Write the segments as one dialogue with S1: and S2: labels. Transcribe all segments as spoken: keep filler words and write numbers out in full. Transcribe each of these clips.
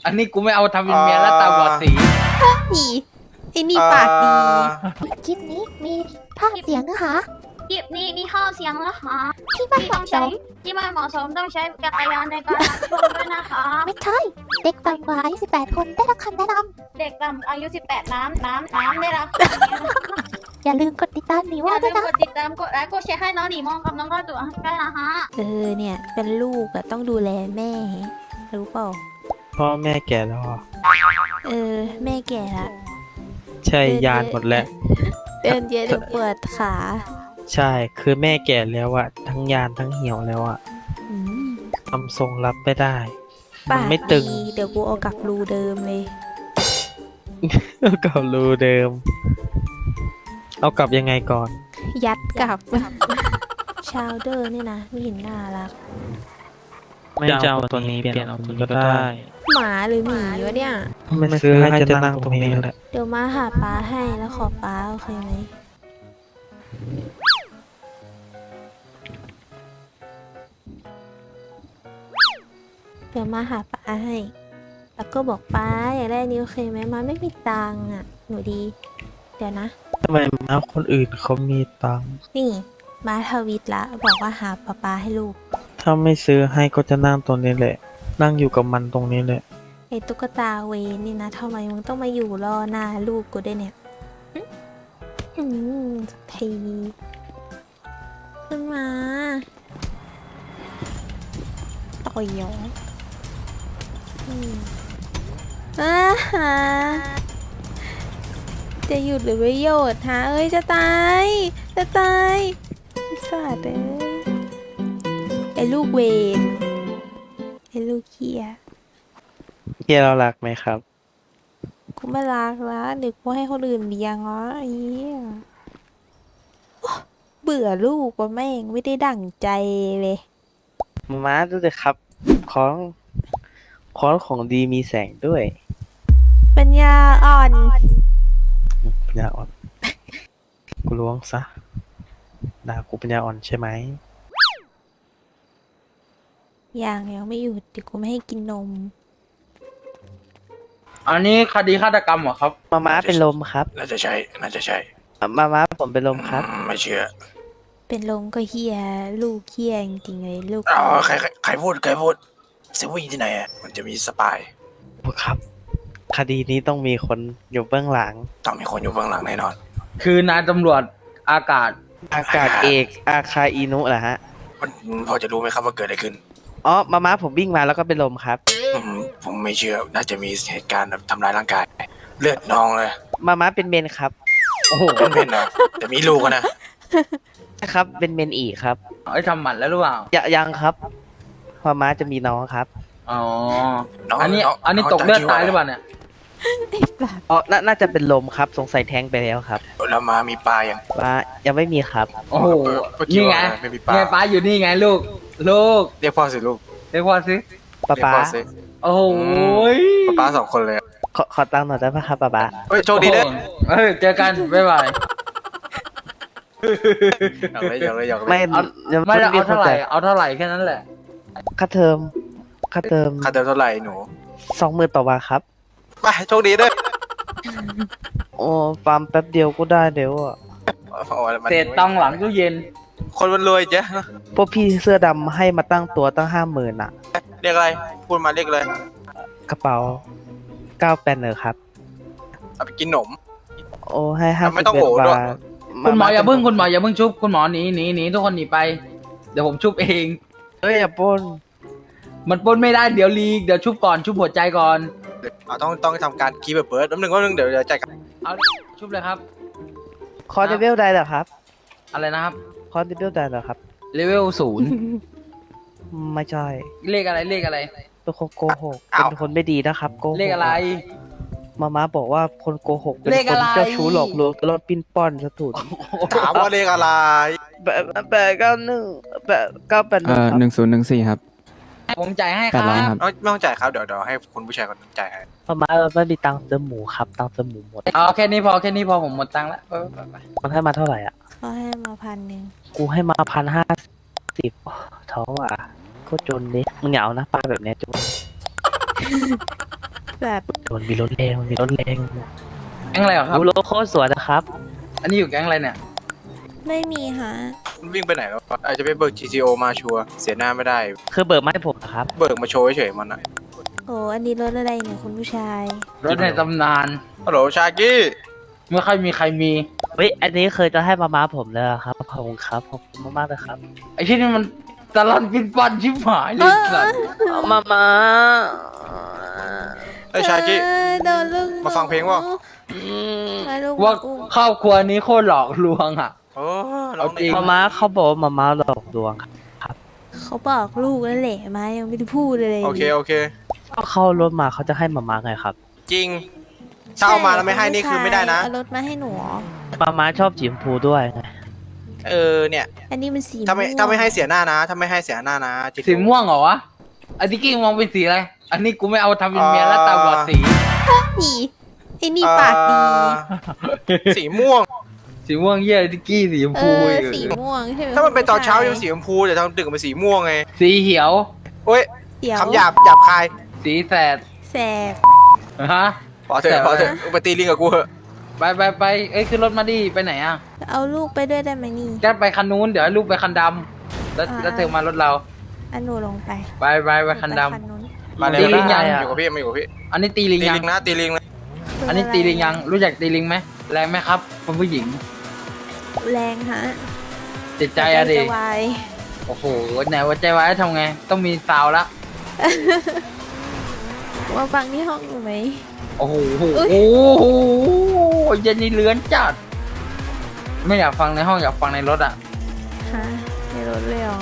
S1: อันนี้กูไม่เอาทำเป็นเมียแล้วตาบอดสี
S2: ดีไอ้นี่ปากดี
S3: คลิปนี้มีภาพเสียงนะคะ
S4: คลิปนี้มีข้อเสียงนะคะ
S3: ที่ไม่
S4: ที่
S3: เห
S4: ต้อ
S3: มาะ
S4: ง
S3: ส
S4: ใช้
S3: ม
S4: ที่ไม่เหมาะสมต้องใช้จักรยานในการรับชมด้วยนะคะ
S3: ไม่ใช่ เด็กต่ำกว่าอายุสิบแปดคนได้รับคำแนะน
S4: เด็กต่ำอายุสิบแปดน้ำน้ำน้ำได้รับ
S3: ำอย่าลืมกดติดตามหนี
S4: อ
S3: ว่า
S4: ย่า
S3: ด้
S4: ลื
S3: วย
S4: ม
S3: นะ
S4: กดติดตามกดไลค์กดแชร์ให้น้องหนีมองกับน้องก็ตัวด้วยนะคะ
S2: เออเนี่ยเป็นลูกอะต้องดูแลแม่รู้เปล่า
S5: พ่อแม่แก่แล้วอ่ะ
S2: เออแม่แก่ละ
S5: ใช่ยานหมดแล้ว
S2: เดินเยอะเดี๋ยวปวดขา
S5: ใช่คือแม่แก่แล้วอะทั้งยานทั้งเหี่ยวแล้วอะ
S2: อืม
S5: ทำทรงรับไม่ได้ มั
S2: ปาน ก
S5: ไม่ตึง
S2: ดีเดี๋ยวกูเอากลับรูเดิมเลย
S5: กับรูเดิม เอากลับยังไงก่อน
S2: ยัดกลับ ชาวเดอร์นี่นะไม่เห็นน่ารัก
S5: ไม่จะเอาตัวนี้เปลี่ยนเอาตัวนี้ก็ได้
S2: หมาหรือหมีวะเนี่ย
S5: ไม่ซื้อให้จะนั่งตรงนี้แหละ
S2: เดี๋ยวมาหาป้าให้แล้วขอป้าโอเคไหมเดี๋ยวมาหาป้าให้ แล้วก็บอกป้าอยากได้อันนี้โอเคไหมมาไม่มีตังค์อ่ะ หนูดี เดี๋ยวนะ
S5: ทำไมม้าคนอื่นเขามีตังค์
S2: นี่มาทวิตละบอกว่าหาป้าป้าให้ลูก
S5: ถ้าไม่ซื้อให้ก็จะนั่งตรงนี้แหละ นั่งอยู่กับมันตรงนี้แหละ
S2: ไอ้ตุ๊กตาเวนนี่นะทำไมมึงต้องมาอยู่รอหน้าลูกกูด้วยเนี่ยหึอืมสักทีขึ้นมาต่อยเหรออืมอ่าฮะจะหยุดหรือไม่หยุดฮะเอ้ยจะตายจะตายไอ้สัตว์เอ้ยไอ้ลูกเวนไอ้ลูกเหี้ย
S5: เฮียเรารักไหมครับ
S2: กูไม่รักแล้วเดี๋ยวกูให้คนอื่นเลี้ยงแล้วไอ้เหี้ยโอ๊ะเบื่อลูกว่าแม่งไม่ได้ดั่งใจเลย
S5: ม้าดูเลยครับ ของของของดีมีแสงด้วย
S2: ปัญญาอ่อน
S5: ปัญญาอ่อน กูล้วงซะด่ากูปัญญาอ่อนใช่ไหม
S2: อย่างยังไม่หยุดเดี๋ยวกูไม่ให้กินนม
S1: อันนี้คดีฆาตกรรมเหรอครับ
S5: มาม้าเป็นลมครับ
S6: น่าจะใช่ น่าจะใช่
S5: มาม้าผมเป็นลมครับ
S6: อืมไม่เชื่อ
S2: เป็นลมก็เฮียลูกเฮียจริงๆเลยลูก
S6: อ๋อใครใครใครพูด ใครพูดเซเว่นที่ไหนอ่ะ มันจะมีสปาย
S5: ครับ คดีนี้ต้องมีคนอยู่เบื้องหลัง
S6: ต้องมีคนอยู่เบื้องหลังแน่นอน
S1: คือนายตำรวจอากาศ
S5: อากาศเอกอาคาอินุเหรอฮะ
S6: มันพอจะรู้ไหมครับว่าเกิดอะไรขึ้น
S5: อ๋อ มาม้าผมวิ่งมาแล้วก็เป็นลมครับ
S6: อืมผมไม่เชื่อ น่าจะมีเหตุการณ์แบบทำร้ายร่างกาย เลือดนองเลย
S5: มาม้าเป็นเมนครับ
S1: โอ้โห
S6: เป็นเป็นนะแต่มีลูกอะนะ
S5: นะครับ เป็นเมนอีกครับ
S1: ไอ้ยทำหมันแล้วหรือเปล่า
S5: ยยังครับมาม้าจะมีน้องครับ
S1: อ๋อ
S6: น้อง
S1: อันนี้
S6: น้ง
S1: อันนี้
S6: ง
S1: ตกเลือด
S6: ชื่
S1: ตาย
S6: ว่ะ
S1: หรือเปล่าเนี่ย
S5: อ๋อนาน่าจะเป็นลมครับ สงสัยแท้งไปแล้วครับ
S6: แล้วมามีปลายัง
S5: มายังไม่มีครับ
S1: โอ้โห
S6: เมื่อกี้
S1: นี่ไง
S6: ว่าไม่มีปลา
S1: ไงป้าอยู่นี่ไงลูก ลูก
S6: เรียกพ่อสิลูก
S1: เรียกว่าสิ
S5: ป๊า
S6: เรียก
S5: ป๊า
S6: พ่อสิ
S1: โอ้โหย
S6: ป๊าป๊าสองคนเลยอะ
S5: ขอขอตังค์หน่อยได้ไหมครับป๊าป๊า
S6: เฮ้ยโชคดีเด้อ
S1: โอ้โหเอ้ยเจอกัน บ๊ายบาย
S6: อยากเลยอยากเลยอยากเลย
S5: ไม่
S1: เอา
S5: ยัง
S1: ไม่ได้เอาเท่าไหร่
S5: รียก
S1: เอาเท่าไหร่แค่นั้นแหละ
S5: ค่าเทอมค่าเทอม
S6: ค่าเดิมเท่าไหร่หนู
S5: สองหมื่นต่อวันครับ
S6: ไปโชคดีเด้อ
S5: โอ้ฟาร์มแป๊บเดียวก็ได้เดี๋ยวอะ
S6: โอ้ยมัน
S1: เศษตังค์หลังตู้เย็น
S6: คนมันรวยเจ๊
S5: พวกพี่เสื้อดำให้มาตั้งตัวตั้งห้าหมื่นอะ
S6: เรียกอะไร พูดมาเรียกเลย
S5: กระเป๋าเก้าแปดเนอครับ
S6: เอาไปกินขนม
S5: โอ้ให้ห้า
S6: ไม่
S5: สิบ
S6: ต้อง
S5: เอ็ด
S6: โหด้วย
S5: บาท
S1: คุณหมออย่าเพิ่ง
S5: ม
S1: คุณหมออย่าเพิ่งชุบ คุณหมอหนีหนีหนีทุกคนหนีไป เดี๋ยวผมชุบเอง
S5: เอ้ยอย่าปล้น
S1: มันปล้นไม่ได้เดี๋ยวลีก เดี๋ยวชุบก่อน ชุบหัวใจก่อน
S6: อ่ะต้องต้องทำการคีย์แบบเบิร์ดแป๊บนึงแป๊บนึงเดี๋ยวเดี๋ยวจ่ายกัน
S1: เอาชุบเลยครับ
S5: คอร์ดเวลได้เหรอครับ
S1: อะไรนะครับ
S5: คอร์ดเวลได้เหรอครับ
S1: เลเวลศูนย์
S5: ไม่ใช่
S1: เลขอะไรเลขอะไร
S5: เป็นคนโกหกเป็นคนไม่ดีนะครับโกหก
S1: เลขอะไร
S5: มาม่าบอกว่าคนโกหกเป็น
S1: เลข
S5: ค
S1: อะ
S5: น
S1: ไร
S5: เจ้าชู้หลอกลวงตลอดปิ้นป้อนสะถุน
S6: ถามว่าเลขอะไร
S5: แปดแปดเก้าหนึ่งแปดเก้าแปดห
S7: เอ่
S5: นึ่ง
S7: อ
S5: ครับ
S7: หนึ่งศูนย์หนึ่งสี่ครับ
S1: ผมจ่ายให้ค
S7: แปด
S1: รั
S7: ร้อย
S1: บ
S7: ครับ
S6: ไม่ไม่ต้องจ่ายครับเดี๋ยวเดี๋ยวให้คุณผู้ชายคนนั้นจ่ายให้
S5: มาม่าไม่มีตังค์ซื้อหมูครับตังค์ซื้อหมูหมด
S1: เอาแค่นี้พอแค่นี้พอผมหมดตังค์แล้วไปไปไป
S5: มันให้มาเท่าไหร่อ่ะ
S2: เขาให้มาพันหนึ่ง
S5: กูให้มาพันห้าสิบท้องอ่ะโคตรจนดิมึงอย่าเอานะปลาแบบเนี้ยจน
S2: สัตว์
S5: มันมีรถแรงมันมีรถแรง
S1: แก๊งอะไรเหรอครับ
S5: ดูรถโคตรสวยนะครับ
S1: อันนี้อยู่แก๊งอะไรเนี่ย
S2: ไม่มีฮะ
S6: มันวิ่งไปไหนแล้ววะอาจจะไปเบิก จี ที โอ มาชัวร์เสียหน้าไม่ได้
S5: คือเบิกมาให้ผมนะครับ
S6: เบิกมาโชว์เฉยๆมันอะ
S2: โอ้อันนี้รถอะไรเนี่ยคุณผู้ชาย
S1: รถในตำนาน
S6: ฮัลโหลชากี้
S1: ไม่ค่อยมีใครมี
S5: เฮ้ย อันนี้เคยจะให้มาม้าผมเลยอะครับขอบคุณครับขอบคุณมากๆเลยครับ
S1: ไอ้ที่นี่มันตลอดปินปันชิบหายเลยสัตว์
S5: มาม้า
S6: ไอ้ยชากี้
S2: เออโดนลูก
S6: มาฟังเพลงเปล่า
S2: มาลูก
S1: ว่า
S2: อุ้ม
S1: ครอบครัวนี้โคตรหลอกลวงอ่ะ
S6: โอ้ร้อง
S1: เอาจริ
S6: ดี
S1: ง
S5: มาม้าเขาบอกว่ามาม้าหลอกลวงครับ
S2: เขาบอกลูกนั่นแหละมายังไม่ได้พูดเลย
S6: โอเคโอเค
S5: ก็เข้ารถมาเขาจะให้มาม้าไงครับ
S6: จริงถ้าเอามาแล้วไม่ให้นี่คือไม่ได้นะ
S2: เอารถมาให้หนูเหรอ
S5: มาม้าชอบสีชมพูด้วยไง
S6: เออเนี่ย
S2: อันนี้มันสี
S6: ถ้าไม่
S2: วง
S6: ถ้าไม่ให้เสียหน้านะ ถ้าไม่ให้เสียหน้านะ จี ที โอ
S1: สีม่วงเหรอวะ อันนี้กิ้งมองเป็นสีอะไร อันนี้กูไม่เอาทำเป็นเมียแล้วตาบอดสี
S2: นี่ไอ้นี่ปากดี
S6: สีม่วง
S1: สีม่วงเยี่ยดิกกี้สีชม
S2: เอ
S1: พู
S2: อ
S1: อีก
S2: สีม่วงใช่ไหม
S6: ถ้ามันเป็นตอนเช้า
S2: คุณ
S6: ยัง
S2: ผู้
S6: สีชมพูแต่ตอนดึกมันสีม่วงไง
S1: สีเขียว
S6: โอ้ย
S2: เดี๋ยว
S6: คำหยาบหยาบคาย
S1: สีแสด
S2: แสบ
S1: ฮะ
S6: พอเถอะพอเถอะไปตีลิงกับกูเถอะ
S1: ไปไปไปเอ้ยขึ้นรถมาดิไปไหนอ่ะ
S2: เอาลูกไปด้วยได้ไหมนี่
S1: แกไปคันนู้นเดี๋ยวให้ลูกไปคันดำแล้ว
S2: อ่า
S1: แล้วเธอมารถเรา
S2: อันหนูลงไป
S1: ไปไปไปคันด
S2: ไปนู้น
S6: มาเลย
S1: ตีลิง
S6: มา
S1: ยัง
S6: อยู่กับพี่มาอยู่กับพี่
S1: ำอันนี้ตีลิง
S6: ตี
S1: ยัง
S6: ลิงนะตีลิงนะ
S1: อันนี้ตีลิงยัง รู้จักตีลิงไหมแรงไหมครับคุณผู้หญิง
S2: แรงฮะ
S1: จิตใจอะดิ
S2: จะวาย
S1: โอ้โหไหนว่าใจไว้ทำไง ต้องมีซาวละ
S2: มาฟังที่ห้องอยู่ไหม
S1: โอ้โห
S2: อุ๊ย
S1: โอ้โหเย็นนี่เลื้อนจัด ไม่อยากฟังในห้องอยากฟังในรถอ่ะ
S2: ฮะในรถเลยเหรอ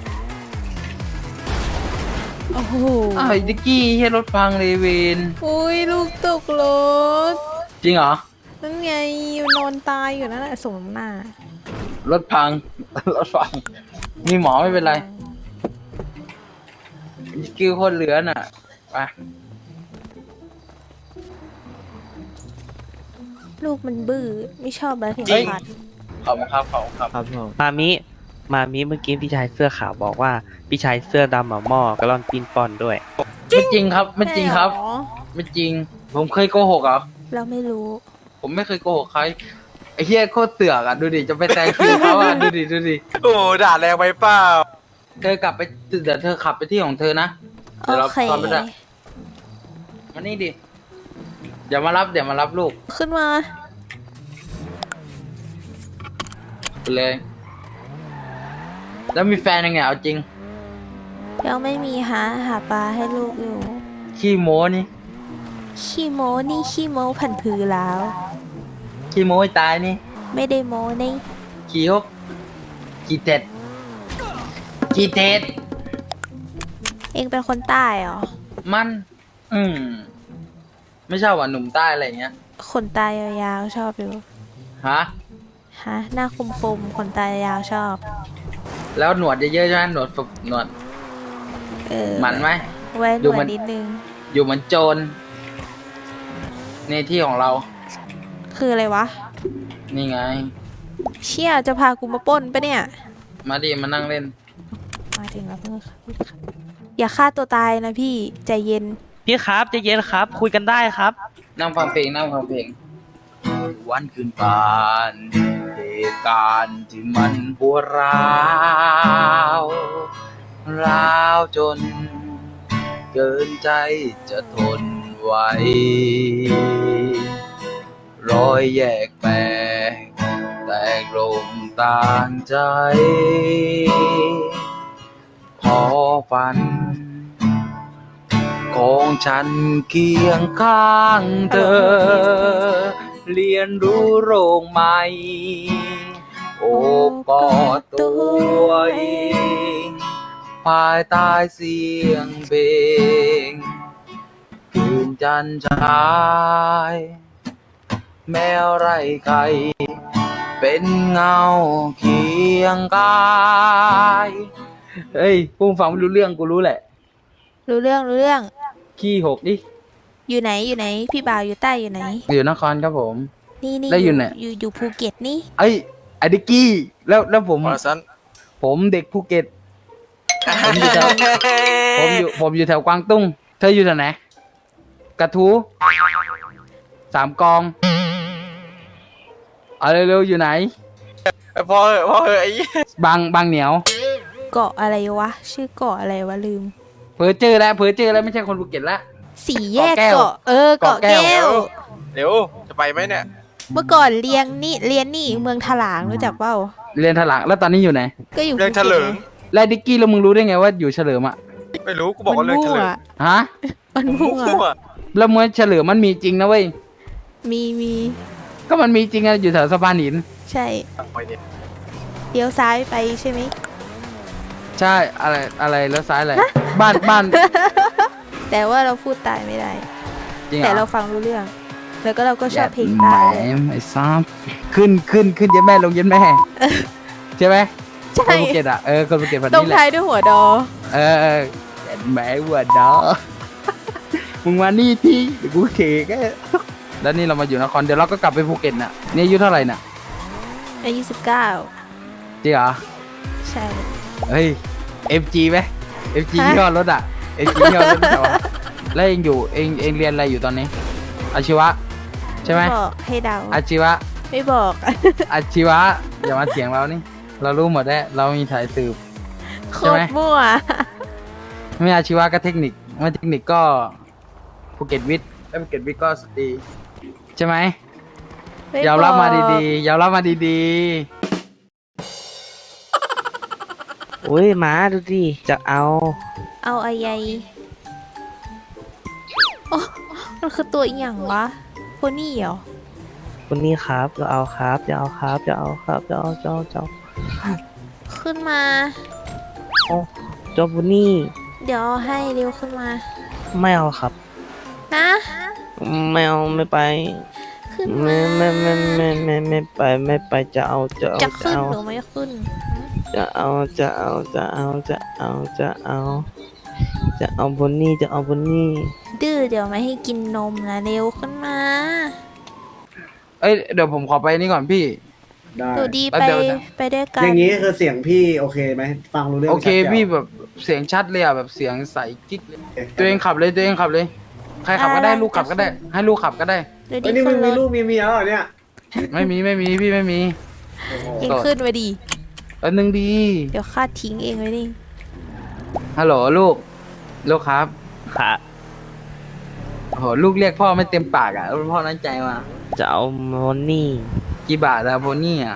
S2: โอ้โห
S1: อ้าวไอ้ดิกกี้เฮียรถพังเลยเวน
S2: อุ้ยลูกตกรถ
S1: จริงเหรอ
S2: นั่นไงนอนตายอยู่นั่นแหละสมน้ำหน้าร
S1: ถพัง รถพัง มีหมอไม่เป็นไรดิกกี้โคตรเหลือนอ่ะไป
S2: ลูกมันบื้อไม่ชอบอะไรที่
S6: จริง
S2: พัด
S1: ขอบคุณครับขอบคุณครับ
S5: ครับผมมามิ มามิเมื่อกี้พี่ชายเสื้อขาวบอกว่าพี่ชายเสื้อดำหมาหม้อกระล่อนปีนปอนด้วย
S1: ไม่จริงครับ ไม่จริงครับ
S2: ใช่เหอ
S1: ไม่จริง ผมเคยโกหกเหรอ
S2: เราไม่รู้
S1: ผมไม่เคยโกหกใคร ไอ้เฮียโคตรเสือกอ่ะ ดูดิ จะไปแซงคิวเขาอ่ะ ดูดิ ดูดิ
S6: โอ้ด่าแรงไปเปล่า
S1: เธอกลับไป เดี๋ยวเธอขับไปที่ของเธอนะ
S2: โอ
S1: เดี๋ยวเรา
S2: เค
S1: ตอนไปด้วยมานี่ดิ เดี๋ยวมารับ เดี๋ยวมารับลูก
S2: ขึ้นมา
S1: ไปเลย แล้วมีแฟนยังไงเอาจริง
S2: ยังไม่มีหาหาปลาให้ลูกอยู่
S1: ขี้โม้นี่
S2: ขี้โมนี่ขี้โมผันผือแล้ว
S1: ขี้โม้ให้ตายนี่
S2: ไม่ได้โมนี่
S1: ขี้ฮกขี้เท็ดขี้เท็ด
S2: เองเป็นคนใต้เหรอ
S1: มัน อืม ไม่ชอบว่าหนุ่มใต้อะไรอย่างเงี้ย
S2: ขนตายาวๆชอบอยู่
S1: ฮะ
S2: ฮะ หน้าคมๆขนตายาวชอบ
S1: แล้วหนวดเยอะๆใช่ไหมหนวดฝึกหนวด
S2: เออ
S1: มันไหม
S2: ไว้หน
S1: ดู
S2: วด
S1: มัน
S2: นิดนึง
S1: อยู่เหมือนโจร ในที่ของเรา
S2: คืออะไรวะ
S1: นี่ไง
S2: เชี่ยจะพากูมาปล้นปะเนี่ย
S1: มาดิ มานั่งเล่น
S2: มาถึงแล้วเพื่อนค่ะอย่าฆ่าตัวตายนะพี่ ใจเย็น
S5: พี่ครับใจะเย็นครับ คุยกันได้ครับ
S1: นั่งฟังเพลงนั่งฟังเพลง วันคืนผ่านเหตุการณ์ที่มันปวดร้าวร้าวจน เกินใจจะทนไหวรอยแยกแตกแตกลงต่างใจ พอฝัน ของฉันเคียงข้างเธอ เรียนรู้โรงใหม่ โอบกอดตัวเองภายใต้เสียงเพลงคืนจันทร์ฉาย แมวไร่ไข่เป็นเงาเคียงกายเฮ้ยพูดฟังไม่รู้เรื่องกูรู้แหละ
S2: รู้เรื่องรู้เรื่อง
S1: ขี้หกดิ
S2: อยู่ไหนอยู่ไหน พี่บ่าวอยู่ใต้อยู่ไหน
S1: อยู่นครครับผม
S2: นี่นี่
S1: แล้วอยู่ไหน
S2: อยู่อยู่ภูเก็ตนี่
S1: เอ้ยไอ้ดิกกี้แล้วแล้วผม
S6: พอสัน
S1: ผมเด็กภูเก็ต ผมอยู่แถวผมอยู่ผมอยู่แถวกวางตุ้ง เธออยู่แถวไหนกระทูสามกองเอาเร็วๆอยู่ไหน
S6: พอเหอะพอเหอะไอ้
S1: บางบางเหนียว
S2: เกาะอะไรวะ ชื่อเกาะอะไรวะลืม
S1: เพอเจอแล้วเพอเจอแล้วไม่ใช่คนภูเก็ตละ
S2: สี่แยก
S1: เกาะแก้ว
S2: เกาะเออเกาะ
S1: เกาะแก้
S2: แก้
S1: ว
S2: ว
S6: เร็วจะไปไหมเนี่ย
S2: เมื่อก่อนเรียนนี่เรียนนี่เมืองถลางรู้จักเปล่า
S1: เรียนถลังแล้วตอนนี้อยู่ไหน
S2: ก็อยู่
S6: เรื่องเฉลิง
S1: แล้วดิกกี้แล้วมึงรู้ได้ไงว่าอยู่เฉลิมอ่ะ
S6: ไม่รู้กูบอกว่าเรื่องเฉลิง
S1: ฮะ
S2: มันมั่ว
S6: มั่ว
S1: แล้วเมื่อเฉลิมมันมีจริงนะเว้ย
S2: มีมี
S1: ก็มันมีจริงอะอยู่แถวสะพานหิน
S2: ใช่
S6: ไปเนี่ย
S2: เลี้ยวซ้ายไปใช่ไหม
S1: ใช่อะไรอะไรแล้วซ้ายอะไรบ้านบ้าน
S2: แต่ว่าเราพูดใตายไม่ได้
S1: จริงเหร
S2: แต่
S1: อ
S2: เราฟังรู้เรื่อง แล้วก็เราก็ชอบเพลง
S1: แหม
S2: ใตาย
S1: ไอ้ซ้ำขึ้นขึ้นขึ้นเย็นแม่ลงเย็นแม่ใช่ไหม
S2: ใช่
S1: คนภูเก็ตอ่ะเออคนภูเก็ตแบบ
S2: ตรง
S1: นี้แหละ
S2: ท้ายด้วยหัวดอ
S1: เออเออแหมวัวดอมึงมานี่ที่เดี๋ยวกูเขกอะแล้วนี่เรามาอยู่นครเดี๋ยวเราก็กลับไปภูเก็ตน่ะนี่อายุเท่าไหร่น่ะ
S2: อายุสิบเก้า
S1: จริงเหรอ
S2: ใช่
S1: เฮ้ย เอ็ม จี ไหม เอ็ม จี
S2: ฮะ
S1: ยี่ห้อรถอ่ะ เอ็ม จี ยี่ห้อรถแต่ว่าแล้วเองอยู่เองเองเรียนอะไรอยู่ตอนนี้ อาชีวะ ใช่ไหม
S2: บอกให้เดา
S1: อาชีวะ
S2: ไม่บอก
S1: อาชีวะ อย่ามาเถียงเรานี่ เรารู้หมดแล้วเรามีสายสืบ
S2: โค
S1: ใช่ไห
S2: ต
S1: ม
S2: รมั่ว
S1: ไม่อาชีวะก็เทคนิคไม่เทคนิคก็ภูเก็ตวิทย์แล้วภูเก็ตวิทย์ก็สตรีใช่ไหม
S2: ไม่
S1: ยอมรับมา
S2: บอก
S1: ดีๆยอมรับมาดี
S5: อุ้ยหมาดูดิจะเอา
S2: เอาอะไรโอ้มันคือตัวอีหยังวะโพนี่เหรอ
S5: คนนี้ครับจะเอาครับจะเอาครับจะเอาครับจะเอาจะเอาจะเอา
S2: ขึ้นมา
S5: เจ้าบุนี่
S2: เดี๋ยวเอาให้เร็วขึ้นมา
S5: ไม่เอาครับ
S2: นะ
S5: ไม่เอาไม่ไป
S2: ขึ้น
S5: ไม่
S2: มา
S5: ไม่ไม่ไม่ไม่ไม่ไปไม่ไปจะเอาจะเอา
S2: จะขึ้น
S5: เอา
S2: หรือไม่ขึ้น
S5: จะเอาจะเอาจะเอาจะเอาจะเอาจะเอาบุนี่จะเอาบุนี่
S2: ดื้อเดี๋ยวไม่ให้กินนมนะเร็วขึ้นมา
S1: ๆ เอ้ยเดี๋ยวผมขอไปนี่ก่อนพี่
S7: ได้
S2: หนูดี
S1: แป๊บ
S2: ไป
S1: เดียวนะ
S2: ไปด้วยกัน
S7: อย่างนี้คือเสียงพี่โอเคไหมฟังรู้เรื่อง
S1: โอเค
S7: ชัดแจ๋ว
S1: พี่แบบเสียงชัดเลยอ่ะแบบเสียงใสกิ๊กเลย
S7: โอเค
S1: ตัวเองขับเลยตัวเองขับเลย ใครขับก็ได้ลูกขับก็ได้ ให้ลูกขับก็ได้
S2: เดี๋ยวดี
S7: เอ้ยนี่
S2: ขึ้
S7: มึ
S2: น
S7: ง
S2: ร
S7: มี
S2: ถ
S7: ลูกมีเมียแล้วเหรอเนี่ย
S1: ไม่มีไม่มีพี่ไม่มี
S7: โอ้โห
S2: เองขึ้นมาดี
S1: อันหนึ่งดี
S2: เดี๋ยวข้าทิ้งเองไว้นี่
S1: ฮัลโหลลูก ลูกครับ
S5: ค่ะ
S1: โอ้โหลูกเรียกพ่อไม่เต็มปากอ่ะพ่อน้อยใจมา
S5: จะเอาบุนี่
S1: กี่บาทอะโพนี่อ่ะ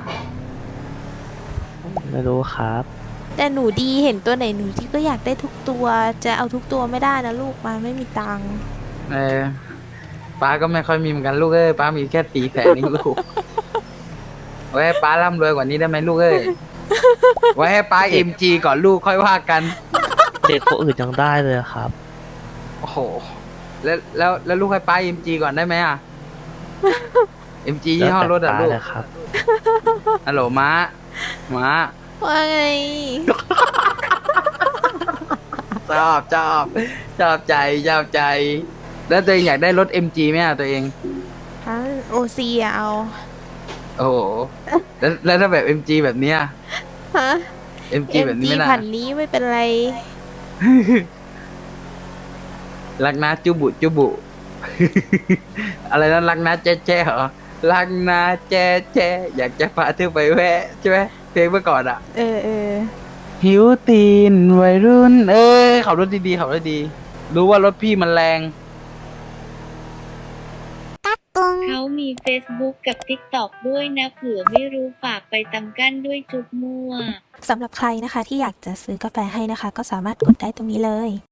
S5: ไม่รู้ครับ
S2: แต่หนูดีเห็นตัวไหนหนูที่ก็อยากได้ทุกตัว จะเอาทุกตัวไม่ได้นะลูกมาไม่มีตังค์
S1: เออป้าก็ไม่ค่อยมีเหมือนกันลูกเอ้ยป้ามีแค่สี่แสนนี่ลูก ไว้ให้ป้าร่ำรวยกว่านี้ได้ไหมลูกเอ้ย ไว้ให้ป้าเอ็มจีก่อนลูกค่อยว่ากัน
S5: เด็กคนอื่นยังได้เลยครับ
S1: โอ้โห แล้วแล้วแล้วลูกให้ป้าเอ็มจีก่อนได้ไหมอ่ะ เอ็มจียี่ห้อรถอ่ะลูก
S5: แล้วแต่ป้าเลยครับ
S1: ฮัลโหลม้า ม้า
S2: ว่าไง
S1: ชอบชอบชอบใจชอบใจ แล้วตัวเองอยากได้รถ เอ็ม จี ไหมอ่ะตัวเอง
S2: ฮะโอซีอะเอา
S1: โอ้โห แล้วแล้วถ้าแบบ เอ็ม จี แบบเนี้ย
S2: ฮะ
S1: เอ็ม จี แบบนี้
S2: เอ็มจี
S1: ไม่น่า
S2: พันนี้ไม่เป็นไร
S1: รักนะจุบุจุบุ อะไรนะรักนะแจ๊แจ๊เหรอ รักนะแจ๊แจ๊อยากจะพาเธอไปแวะใช่ไหมเพลงเมื่อก่อนอ่ะ
S2: เออเออ
S1: หิวตีนวัยรุ่น เอ้ยขับรถดีๆขับรถดี รู้ว่ารถพี่มันแรง
S8: เขามี Facebook กับ TikTok ด้วยนะเผื่อไม่รู้ฝากไปตำกั้นด้วยจุดมั่ว
S2: สำหรับใครนะคะที่อยากจะซื้อกาแฟให้นะคะ ก็สามารถกดได้ตรงนี้เลย